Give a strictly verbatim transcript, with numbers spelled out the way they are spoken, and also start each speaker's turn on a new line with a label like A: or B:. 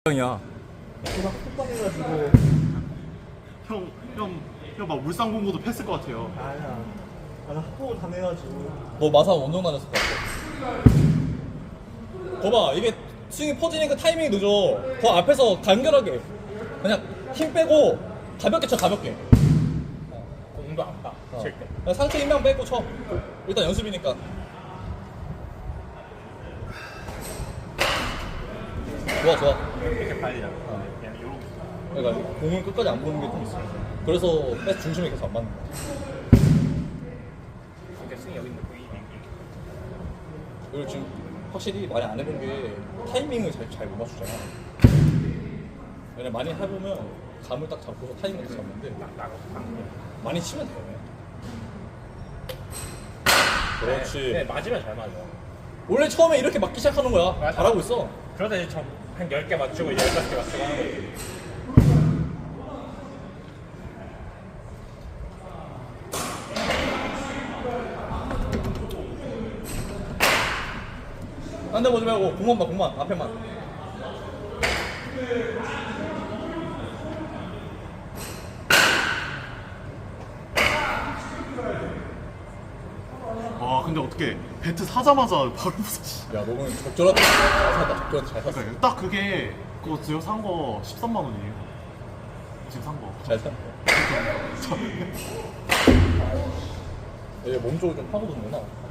A: 형이야.
B: 그막 폭발해가지고.
C: 형, 형, 형 막 울산 공고도 패스일 것 같아요.
B: 아니야. 나는 합복을 당해가지고.
A: 너 마사 원정 다녔을 것 같아. 거봐, 이게 스윙이 퍼지니까 타이밍이 늦어. 더 앞에서 간결하게 그냥 힘 빼고 가볍게 쳐, 가볍게.
D: 공도 안 봐.
A: 어.
D: 칠 때.
A: 그냥 상체 힘만 빼고 쳐. 일단 연습이니까. 좋아, 좋아.
D: 이렇게 빨리잖아. 그냥 이러고.
A: 그러니까 공을 끝까지 안 보는 게 좀 있어. 그래서 패스 중심이 계속 안 맞는 거야.
D: 이렇게 스윙 여기 있는 거 이렇게.
A: 그리고 지금 확실히 많이 안 해본 게 타이밍을 잘 잘 못 맞추잖아. 왜냐면 많이 해보면 감을 딱 잡고서 타이밍을 딱 잡는데
D: 나고 방금.
A: 많이 치면 돼. 그렇지.
D: 네, 네, 맞으면 잘 맞아.
A: 원래 처음에 이렇게 맞기 시작하는 거야.
D: 맞아.
A: 잘하고 있어.
D: 그러다 이제 좀 한 열 개 맞추고 이제 열다섯 개 맞추고 하는 거지.
A: 딴 데 보지 말고 공만 봐, 공만. 앞에만.
C: 와, 근데 어떻게 배트 사자마자 바로 부서지.
A: 야, 너는 적절하다. 잘 샀다. 적절하다. 잘 샀어.
C: 그러니까 딱 그게 그거 지금 산 거 십삼만 원이에요. 지금 산 거.
A: 잘 샀다. 얘 몸 쪽을 좀 파고드는구나.